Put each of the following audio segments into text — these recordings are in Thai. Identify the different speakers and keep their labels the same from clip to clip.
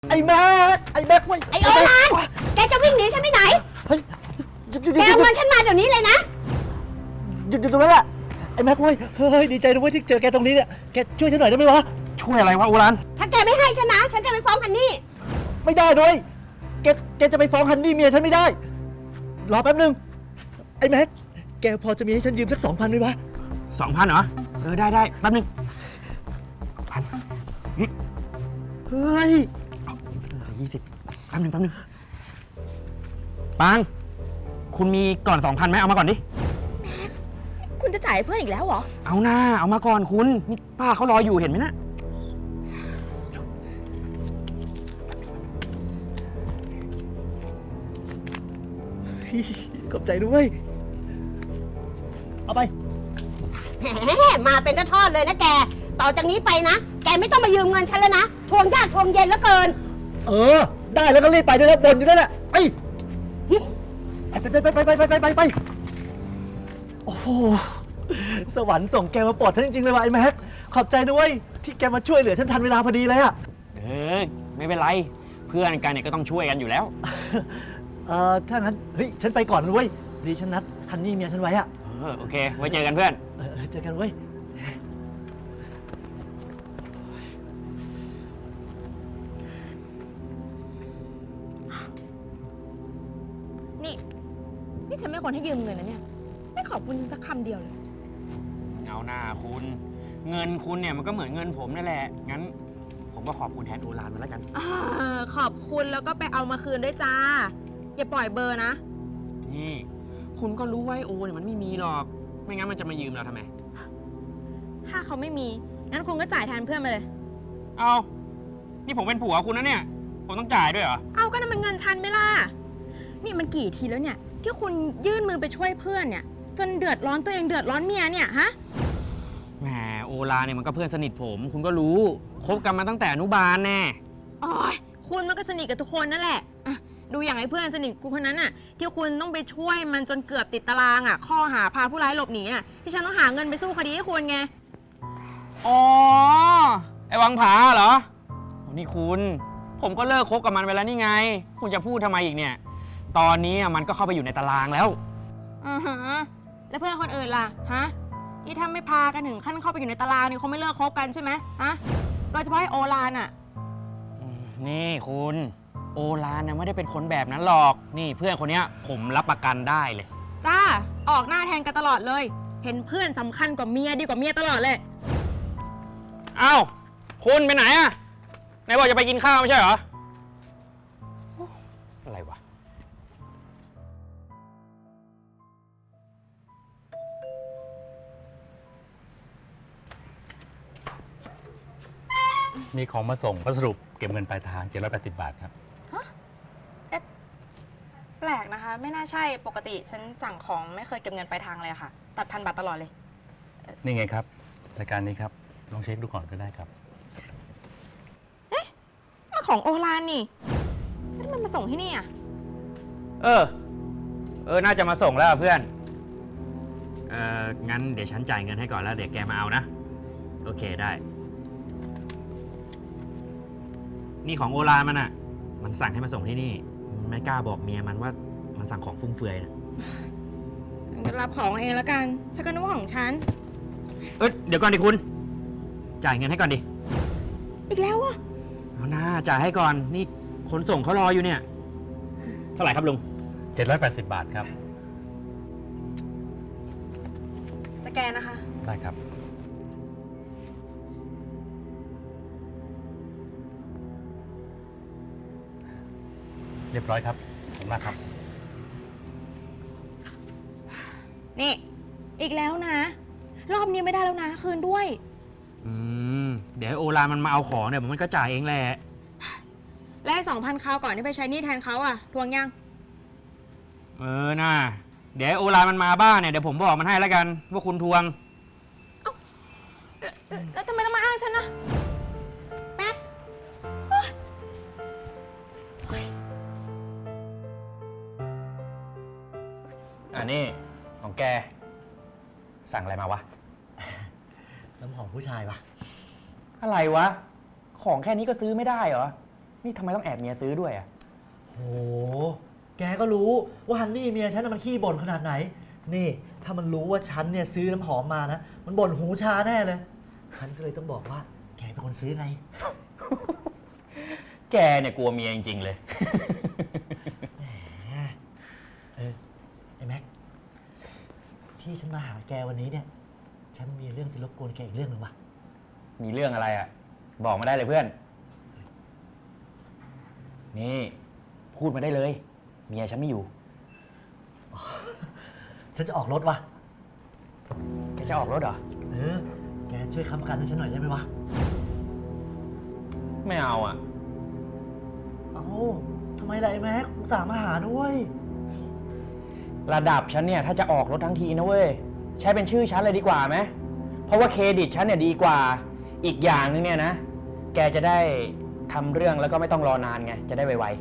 Speaker 1: ไอ้แม็กเว้ย
Speaker 2: ไอโอรานแกจะวิ่งหนีฉันไปไหน
Speaker 1: เฮ้ย
Speaker 2: แกเอาเงินฉันมาเดี๋ยวนี้เลยนะ
Speaker 1: หยุดตรงนั้นแหละไอ้แม็กเว้ยเฮ้ยดีใจนะเว้ยที่เจอแกตรงนี้เนี่ยแกช่วยฉันหน่อยได้ไหมวะ
Speaker 3: ช่วยอะไรวะโอราน
Speaker 2: ถ้าแกไม่ให้ฉันนะฉันจะไปฟ้องฮันนี่
Speaker 1: ไม่ได้ด้วยแกจะไปฟ้องฮันนี่เมียฉันไม่ได้รอแป๊บนึงไอ้แม็กแกพอจะมีให้ฉันยืมสัก 2,000ไหมวะ
Speaker 3: 2,000เหรอได้แป๊บนึง2,000
Speaker 1: เฮ้ย
Speaker 3: 20แป๊บนึงปังคุณมีก่อน 2,000ไหมเอามาก่อนดิ
Speaker 2: คุณจะจ่ายเพื่อนอีกแล้วเหรอ
Speaker 3: เอาหน้าเอามาก่อนคุณนี่ป้าเขารออยู่เห็นไหมนะ
Speaker 1: ขอบใจด้วยเอาไป
Speaker 2: แหมมาเป็นทอดเลยนะแกต่อจากนี้ไปนะแกไม่ต้องมายืมเงินฉันแล้วนะทวงยากทวงเย็นแล้วเกิน
Speaker 1: ได้แล้วก็รีบไปด้วยแล้วบ่นอยู่นั่นแหละไปโอ้โหสวรรค์ส่งแกมาปลอดฉันจริงๆเลยว่ะไอ้แม็กขอบใจด้วยที่แกมาช่วยเหลือฉันทันเวลาพอดีเลยอะ
Speaker 3: ไม่เป็นไรเพื่อนกันเนี่ยก็ต้องช่วยกันอยู่แล้ว
Speaker 1: ถ้างั้นเฮ้ยฉันไปก่อนด้วยดีฉันนัดฮันนี่เมียฉันไว้อะ
Speaker 3: โอเคไว้เจอกันเพื่อน
Speaker 1: เจอกันเว้ย
Speaker 4: นี่ฉันไม่ควรให้ยืมเงินนะเนี่ยไม่ขอบคุณสักคำเดียวเลย
Speaker 3: เอาหน้าคุณเงินคุณเนี่ยมันก็เหมือนเงินผมนั่นแหละงั้นผมก็ขอบคุณแทนโอรานมาแล้วกัน
Speaker 4: ขอบคุณแล้วก็ไปเอามาคืนด้วยจ้าอย่าปล่อยเบอร์นะ
Speaker 3: นี่คุณก็รู้ว่าโอเนี่ยมันไม่มีหรอกไม่งั้นมันจะมายืมเราทำไม
Speaker 4: ถ้าเขาไม่มีงั้นคุณก็จ่ายแทนเพื่อนมาเลย
Speaker 3: เอานี่ผมเป็นผัวคุณนะเนี่ยผมต้องจ่ายด้วยเหรอ
Speaker 4: เอาก็นั่นมันเงินทันไหมล่ะนี่มันกี่ทีแล้วเนี่ยที่คุณยื่นมือไปช่วยเพื่อนเนี่ยจนเดือดร้อนตัวเองเดือดร้อนเมียเนี่ยฮะ
Speaker 3: แหมโอลาเนี่ยมันก็เพื่อนสนิทผมคุณก็รู้คบกันมาตั้งแต่อนุบาลแน่
Speaker 4: อ๋อคุณมันก็สนิทกับทุกคนนั่นแหละดูอย่างไอ้เพื่อนสนิทกูคนนั้นน่ะที่คุณต้องไปช่วยมันจนเกือบติดตารางอ่ะข้อหาพาผู้ร้ายหลบหนีอ่ะที่ฉันต้องหาเงินไปสู้คดีให้คุณไง
Speaker 3: อ๋อไอ้วังผาเหรอนี่คุณผมก็เลิกคบกับมันไปแล้วนี่ไงคุณจะพูดทำไมอีกเนี่ยตอนนี้มันก็เข้าไปอยู่ในตารางแล้ว
Speaker 4: แล้วเพื่อนคนอื่นล่ะฮะที่ถ้าไม่พากันถึงขั้นเข้าไปอยู่ในตารางนี่คงไม่เลิกคบกันใช่ไหมฮะโดยเฉพาะไอ้โอรานอ่ะ
Speaker 3: นี่คุณโอรานเนี่ยไม่ได้เป็นคนแบบนั้นหรอกนี่เพื่อนคนนี้ผมรับประกันได้เลย
Speaker 4: จ้าออกหน้าแทนกันตลอดเลยเห็นเพื่อนสำคัญกว่าเมียดีกว่าเมียตลอดเลย
Speaker 3: เอ้าคุณไปไหนอะไหนบอกจะไปกินข้าวไม่ใช่เหรออะไรวะ
Speaker 5: มีของมาส่งพัสดุเก็บเงินปลายทาง780 บาทครับ
Speaker 4: แปลกนะคะไม่น่าใช่ปกติฉันสั่งของไม่เคยเก็บเงินปลายทางเลยค่ะตัด1,000 บาทตลอดเลย
Speaker 5: นี่ไงครับรายการนี้ครับลองเช็คดูก่อนก็ได้ครับ
Speaker 4: มาของโอรานนี่แล้วมันมาส่งที่นี่อ่ะ
Speaker 3: น่าจะมาส่งแล้วเพื่อนงั้นเดี๋ยวฉันจ่ายเงินให้ก่อนแล้วเดี๋ยวแกมาเอานะโอเคได้นี่ของโอรานมันอ่ะมันสั่งให้มาส่งที่นี่ไม่กล้าบอกเมียมันว่ามันสั่งของฟุ่มเฟือยนะ
Speaker 4: งั้นรับของเองแล้วกันฉันก็นึกว่าของฉัน
Speaker 3: เดี๋ยวก่อนดิคุณจ่ายเงินให้ก่อนดิ
Speaker 4: อีกแล้วอ่ะ
Speaker 3: เอาหน้าจ่ายให้ก่อนนี่คนส่งเขารออยู่เนี่ยเท่าไหร่ครับลุง
Speaker 5: 780 บาทครับ
Speaker 4: สแกนนะคะ
Speaker 5: ได้ครับเรียบร้อยครับขอบคุณมากครับ
Speaker 4: นี่อีกแล้วนะรอบนี้ไม่ได้แล้วนะคืนด้วย
Speaker 3: เดี๋ยวโอรานมันมาเอาของเนี่ยมันก็จ่ายเองแหละ
Speaker 4: และ2,000คราวก่อนที่ไปใช้หนี้แทนเขาอ่ะทวงยัง
Speaker 3: น่าเดี๋ยวโอรานมันมาบ้านเนี่ยเดี๋ยวผมบอกมันให้แล้วกันว่าคุณทวง
Speaker 4: แล้วทำไมต้องมาอ้างฉันนะแป๊ก
Speaker 3: นี่ของแกสั่งอะไรมาวะ
Speaker 1: น้ำหอมผู้ชายวะ
Speaker 3: อะไรวะของแค่นี้ก็ซื้อไม่ได้เหรอนี่ทำไมต้องแอบเมียซื้อด้วยอ่ะ
Speaker 1: โห แกก็รู้ว่าฮันนี่เมียฉันน่ะมันขี้บ่นขนาดไหน นี่ ถ้ามันรู้ว่าฉันเนี่ยซื้อน้ำหอมมานะ มันบ่นหูชาแน่เลย ฉันก็เลยต้องบอกว่า แกเป็นคนซื้อไง
Speaker 3: แกเนี่ยกลัวเมียจริงๆเลย
Speaker 1: เออ ไอ้แม็ก ที่ฉันมาหาแกวันนี้เนี่ย ฉันมีเรื่องจะรบกวนแกอีกเรื่องหนึ่งว่ะ
Speaker 3: มีเรื่องอะไรอ่ะ บอกมาได้เลยเพื่อน นี่ พูดมาได้เลย เมียฉันไม่อยู่
Speaker 1: ฉันจะออกรถว่ะ
Speaker 3: แกจะออกรถเหรอ
Speaker 1: เออ แกช่วยค้ำประกันให้ฉันหน่อยได้ไหมวะ
Speaker 3: ไม่เอาอ่ะ
Speaker 1: เอ้าทำไมล่ะไอ้แม็กอุตส่าห์มาหาด้วย
Speaker 3: ระดับฉันเนี่ยถ้าจะออกรถทั้งทีนะเว้ย ใช้เป็นชื่อฉันเลยดีกว่าไหม เพราะว่าเครดิตฉันเนี่ยดีกว่า อีกอย่างนึงเนี่ยนะ แกจะได้ทำเรื่องแล้วก็ไม่ต้องรอนานไง จะได้ไว
Speaker 1: หรอ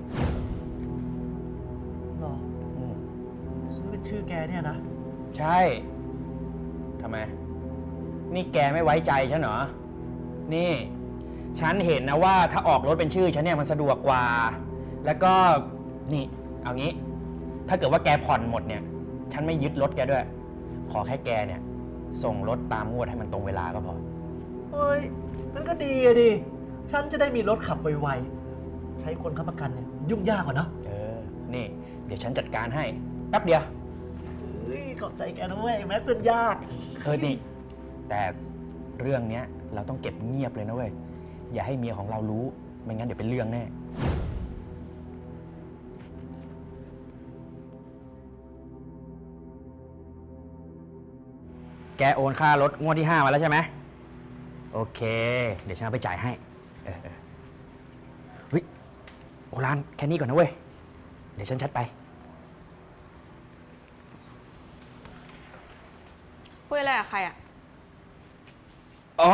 Speaker 3: ๆอืม
Speaker 1: ซื้อเป็นชื่อแกเนี่ยนะ
Speaker 3: ใช่ ทำไม นี่แกไม่ไว้ใจฉันเหรอ นี่ ฉันเห็นนะว่าถ้าออกรถเป็นชื่อฉันเนี่ยมันสะดวกกว่า แล้วก็ นี่ เอางี้ ถ้าเกิดว่าแกผ่อนหมดเนี่ย ฉันไม่ยึดรถแกด้วย ขอแค่แกเนี่ย ส่งรถตามงวดให้มันตรงเวลาก็พอ
Speaker 1: เฮ้ยมันก็ดีอะดิ ฉันจะได้มีรถขับไวๆ ใช้คนค้ำประกันเนี่ยยุ่งยากกว่าเนาะ
Speaker 3: เออ นี่ เดี๋ยวฉันจัดการให้ แป๊บเดียว
Speaker 1: เฮ้ย ขอบใจแกนะเว้ยแม็กเป็นยาก
Speaker 3: นี่ แต่เรื่องเนี้ยเราต้องเก็บเงียบเลยนะเว้ย อย่าให้เมียของเรารู้ ไม่งั้นเดี๋ยวเป็นเรื่องแน่ แกโอนค่ารถงวดที่ 5 มาแล้วใช่ไหม โอเค เดี๋ยวฉันเอาไปจ่ายให้ เฮ้ย โอรานแค่นี้ก่อนนะเว้ย เดี๋ยวฉันชัดไป
Speaker 4: คุยอะไรกับใครอ่ะ
Speaker 3: อ๋อ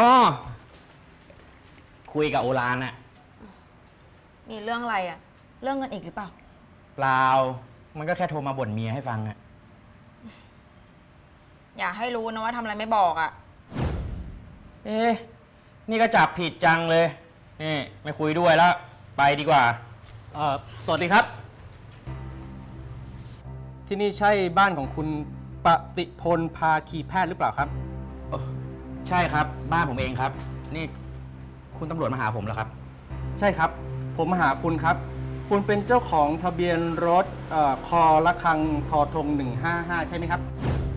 Speaker 3: คุยกับโอรานอะ
Speaker 4: มีเรื่องอะไรอ่ะ เรื่องเงินอีกหรือเปล่า
Speaker 3: เปล่า มันก็แค่โทรมาบ่นเมียให้ฟังอะ
Speaker 4: อย่าให้รู้นะว่าทำอะไรไม่บอกอ่ะ
Speaker 3: เอ๊ะ นี่ก็จับผิดจังเลย นี่ ไม่คุยด้วยแล้ว ไปดีกว่า
Speaker 6: สวัสดีครับ ที่นี่ใช่บ้านของคุณปฏิพลภาคีแพทย์หรือเปล่าครับ
Speaker 3: ใช่ครับ บ้านผมเองครับ นี่คุณตำรวจมาหาผมแล้วครับ
Speaker 6: ใช่ครับ ผมมาหาคุณครับ คุณเป็นเจ้าของทะเบียนรถคอละคังทอทง155 ใช่ไหมครับ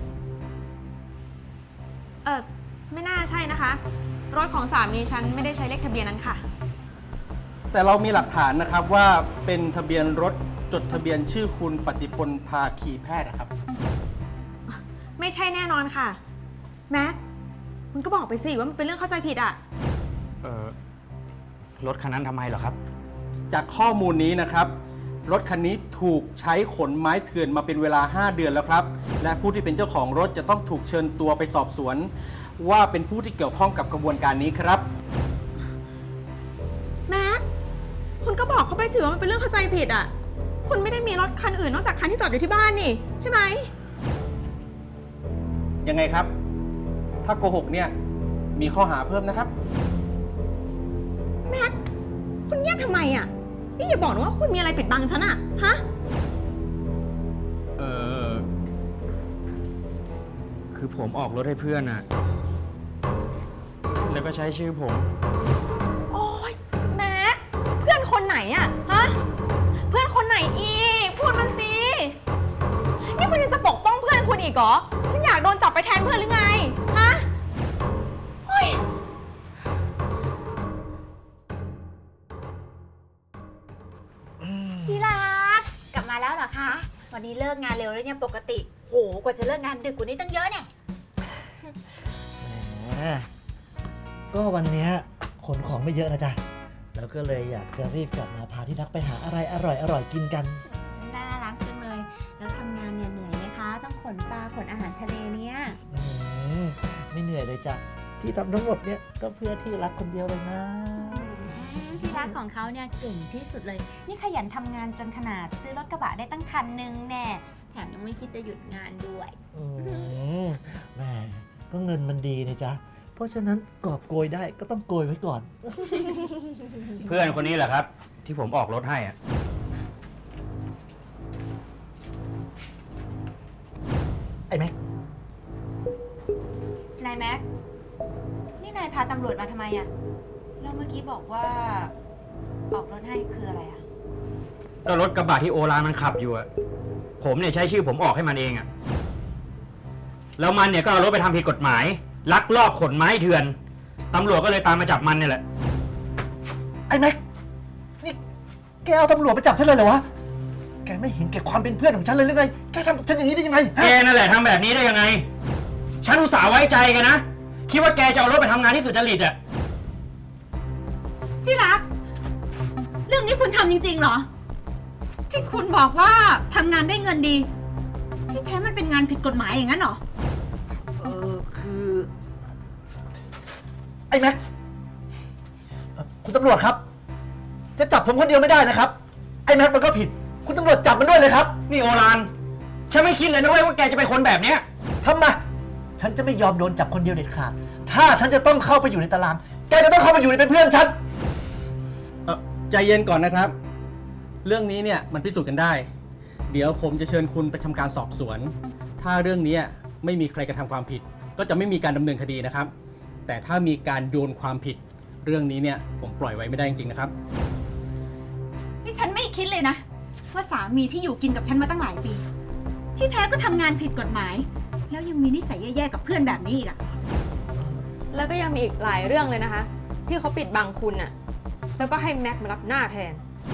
Speaker 4: ไม่น่าใช่นะคะ รถของสามีฉันไม่ได้ใช้เลขทะเบียนนั้นค่ะ
Speaker 6: แต่เรามีหลักฐานนะครับว่าเป็นทะเบียนรถจดทะเบียนชื่อคุณปฏิพลภาคีแพทย์นะครับ
Speaker 4: ไม่ใช่แน่นอนค่ะ แม็กคุณก็บอกไปสิว่ามันเป็นเรื่องเข้าใจผิดอ่ะ
Speaker 3: รถคันนั้นทำไมเหรอครับ
Speaker 6: จากข้อมูลนี้นะครับ รถคันนี้ถูกใช้ขนไม้เถื่อนมาเป็นเวลา 5 เดือนแล้วครับ และผู้ที่เป็นเจ้าของรถจะต้องถูกเชิญตัวไปสอบสวน ว่าเป็นผู้ที่เกี่ยวข้องกับกระบวนการนี้ครับ
Speaker 4: แม็กคุณก็บอกเขาไปสิว่ามันเป็นเรื่องเข้าใจผิดอ่ะ คุณไม่ได้มีรถคันอื่นนอกจากคันที่จอดอยู่ที่บ้านนี่ใช่ไหม
Speaker 6: ยังไงครับ ถ้าโกหกเนี่ยมีข้อหาเพิ่มนะครับ
Speaker 4: แม็กคุณเงียบทำไมอ่ะ นี่อย่าบอกนะว่าคุณมีอะไรปิดบังฉันอ่ะ ฮะ
Speaker 3: คือผมออกรถให้เพื่อนอะแล้วก็ใช้ชื่อผม
Speaker 4: โอ๊ยแม็กเพื่อนคนไหนอ่ะ ฮะ เพื่อนคนไหนอีก พูดมาสิ นี่คุณยังจะปกป้องเพื่อนคุณอีกเหรอ คุณอยากโดนจับไปแทนเพื่อนหรือไง ฮะเฮ้ย
Speaker 7: ที่รักกลับมาแล้วเหรอคะ วันนี้เลิกงานเร็วแล้วเนี่ยปกติ โห กว่าจะเลิกงานดึกกว่านี้ตั้งเยอะเนี่ย
Speaker 1: แหมก็วันเนี้ยขนของไม่เยอะนะจ๊ะ แล้วก็เลยอยากจะรีบกลับมาพาที่รักไปหาอะไรอร่อยๆกินกัน
Speaker 7: น่ารักจังเลย แล้วทำงานเนี่ยเหนื่อยไหมคะ ต้องขนปลาขนอาหารทะเลเนี่ย
Speaker 1: ไม่เหนื่อยเลยจ้ะ ที่ทำทั้งหมดเนี่ยก็เพื่อที่รักคนเดียวเลยนะ
Speaker 7: ที่รักของเขาเนี่ยเก่งที่สุดเลย นี่ขยันทำงานจนขนาดซื้อรถกระบะได้ตั้งคันนึงแน่แถมยังไม่คิดจะหยุดงานด้วย
Speaker 1: แหมก็เงินมันดีนะจ๊ะ เพราะฉะนั้นกอบโกยได้ก็ต้องโกยไว้ก่อน
Speaker 3: เพื่อนคนนี้แหละครับที่ผมออกรถให้อะ
Speaker 1: ไอ้แม็ก
Speaker 7: นายแม็ก นี่นายพาตำรวจมาทำไมอะแล้วเมื่อกี้บอกว่าออกรถให้คืออะไรอะ
Speaker 3: ก็รถกระบะที่โอลานมันขับอยู่อะผมเนี่ยใช้ชื่อผมออกให้มันเองอะแล้วมันเนี่ยก็เอารถไปทำผิดกฎหมาย ลักลอบขนไม้เถื่อนตำรวจก็เลยตามมาจับมันเนี่ยแหละ
Speaker 1: ไอ้แม็ก นี่แกเอาตำรวจไปจับฉันเลยเหรอวะ แกไม่เห็นแก่ความเป็นเพื่อนของฉันเลยหรือไง แกทำกับฉันอย่างนี้ได้ยังไง
Speaker 3: แกนั่นแหละทำแบบนี้ได้ยังไง ฉันอุตส่าห์ไว้ใจแกันนะ คิดว่าแกจะเอารถไปทำงานที่สุจริตอะ
Speaker 7: ที่รัก เรื่องนี้คุณทำจริงๆเหรอ ที่คุณบอกว่าทำงานได้เงินดี ที่แท้มันเป็นงานผิดกฎหมายอย่างนั้นเหรอ
Speaker 1: คือ ไอ้แม็กคุณตำรวจครับ จะจับผมคนเดียวไม่ได้นะครับ ไอ้แม็กมันก็ผิด คุณตำรวจจับมันด้วยเลยครับ
Speaker 3: นี่โอลาน ฉันไม่คิดเลยนะเว้ยว่าแกจะเป็นคนแบบเนี้ย
Speaker 1: ทำไมฉันจะไม่ยอมโดนจับคนเดียวเด็ดขาด ถ้าฉันจะต้องเข้าไปอยู่ในตาราง แกจะต้องเข้ามาอยู่ในเป็นเพื่อนฉัน
Speaker 6: ใจเย็นก่อนนะครับ เรื่องนี้เนี่ยมันพิสูจน์กันได้ เดี๋ยวผมจะเชิญคุณไปทำการสอบสวน ถ้าเรื่องนี้ไม่มีใครกระทำความผิด ก็จะไม่มีการดำเนินคดีนะครับ แต่ถ้ามีการโยนความผิด เรื่องนี้เนี่ยผมปล่อยไว้ไม่ได้จริงๆนะครับ
Speaker 7: นี่ฉันไม่คิดเลยนะ ว่าสามีที่อยู่กินกับฉันมาตั้งหลายปี ที่แท้ก็ทำงานผิดกฎหมาย แล้วยังมีนิสัยแย่ๆกับเพื่อนแบบนี้อีกอะ
Speaker 4: แล้วก็ยังมีอีกหลายเรื่องเลยนะคะ ที่เขาปิดบังคุณน่ะ แล้วก็ให้แม็กมารับหน้าแทน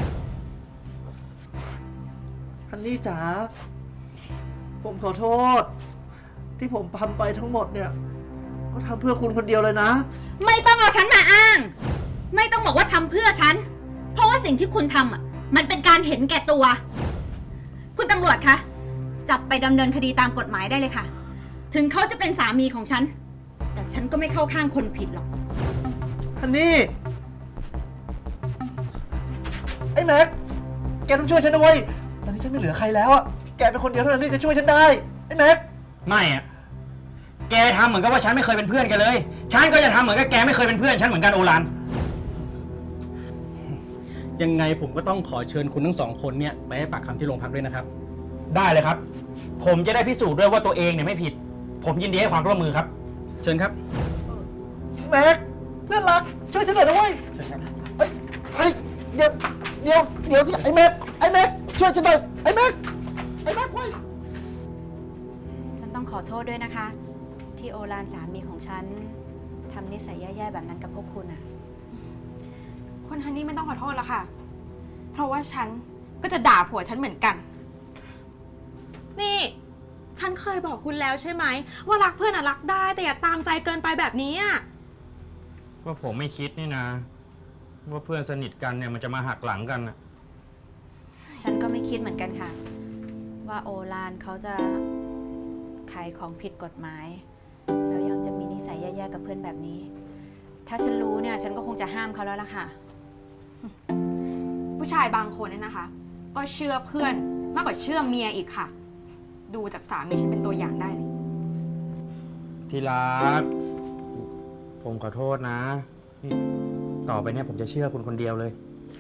Speaker 1: ฮันนี่จ๋า ผมขอโทษ ที่ผมทำไปทั้งหมดเนี่ย ก็ทำเพื่อคุณคนเดียวเลยนะ
Speaker 7: ไม่ต้องเอาฉันมาอ้าง ไม่ต้องบอกว่าทำเพื่อฉัน เพราะว่าสิ่งที่คุณทำอ่ะ มันเป็นการเห็นแก่ตัว คุณตำรวจคะ จับไปดำเนินคดีตามกฎหมายได้เลยค่ะ ถึงเขาจะเป็นสามีของฉัน แต่ฉันก็ไม่เข้าข้างคนผิดหรอก
Speaker 1: ฮันนี่ ไอ้แม็ก แกต้องช่วยฉันนะเว้ย ตอนนี้ฉันไม่เหลือใครแล้วอะแกเป็นคนเดียวเท่านั้นที่จะช่วยฉันได้ ไอ้แม็ก
Speaker 3: ไม่อะแกทำเหมือนกับว่าฉันไม่เคยเป็นเพื่อนกันเลย ฉันก็จะทำเหมือนกับแกไม่เคยเป็นเพื่อนฉันเหมือนกันโอลาน
Speaker 6: ยังไงผมก็ต้องขอเชิญคุณทั้งสองคนเนี่ยไปให้ปากคำที่โรงพักด้วยนะครับ
Speaker 3: ได้เลยครับ ผมจะได้พิสูจน์ด้วยว่าตัวเองเนี่ยไม่ผิด ผมยินดีให้ความร่วมมือครับ
Speaker 6: เชิญครับ
Speaker 1: แม็ก เพื่อนรัก ช่วยฉันหน่อยนะเว้ย
Speaker 6: เชิญครับ
Speaker 1: เฮ้ย เดี๋ยวสิ ไอ้แม็ก ช่วยฉันหน่อย ไอ้แม็กเว้ย
Speaker 7: ฉันต้องขอโทษด้วยนะคะ ที่โอลานสามีของฉันทำนิสัยแย่ๆแบบนั้นกับพวกคุณอะ
Speaker 4: คุณฮันนี่ไม่ต้องขอโทษแล้วค่ะ เพราะว่าฉันก็จะด่าผัวฉันเหมือนกัน นี่ ฉันเคยบอกคุณแล้วใช่ไหมว่ารักเพื่อนอะรักได้แต่อย่าตามใจเกินไปแบบนี้อะ
Speaker 3: ว่าผมไม่คิดนี่นะ ว่าเพื่อนสนิทกันเนี่ยมันจะมาหักหลังกันนะ
Speaker 7: ฉันก็ไม่คิดเหมือนกันค่ะ ว่าโอลานเขาจะขายของผิดกฎหมาย แล้วยังจะมีนิสัยแย่ๆกับเพื่อนแบบนี้ ถ้าฉันรู้เนี่ยฉันก็คงจะห้ามเขาแล้วล่ะค่ะ
Speaker 4: ผู้ชายบางคนเนี่ยนะคะ ก็เชื่อเพื่อนมากกว่าเชื่อเมียอีกค่ะ ดูจากสามีฉันเป็นตัวอย่างได้เลย
Speaker 3: ที่รัก ผมขอโทษนะนี่ต่อไปเนี่ยผมจะเชื่อคุณคนเดียวเลย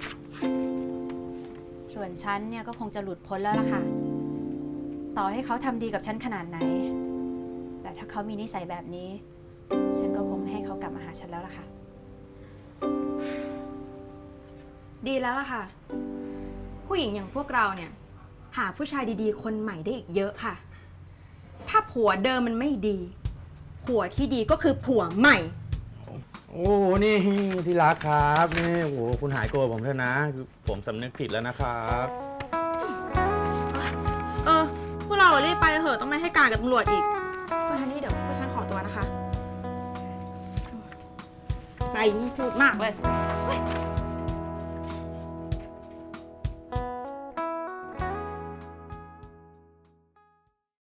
Speaker 7: ส่วนฉันเนี่ยก็คงจะหลุดพ้นแล้วล่ะค่ะ ต่อให้เขาทำดีกับฉันขนาดไหน แต่ถ้าเขามีนิสัยแบบนี้ ฉันก็คงไม่ให้เขากลับมาหาฉันแล้วล่ะค่ะ
Speaker 4: ดีแล้วล่ะค่ะ ผู้หญิงอย่างพวกเราเนี่ย หาผู้ชายดีๆ คนใหม่ได้อีกเยอะค่ะ ถ้าผัวเดิมมันไม่ดี ผัวที่ดีก็คือผัวใหม่
Speaker 3: โอ้ นี่ที่รักครับ นี่โอ้โหคุณหายโกรธผมเถอะนะคือผมสำนึกผิดแล้วนะครับ
Speaker 4: พวกเรารีบไปเถอะต้องไม่ให้การกับตำรวจอีกคุณฮันนี่เดี๋ยวพวกฉันขอตัวนะคะ ไปนี่พูดมากเลยเฮ้ย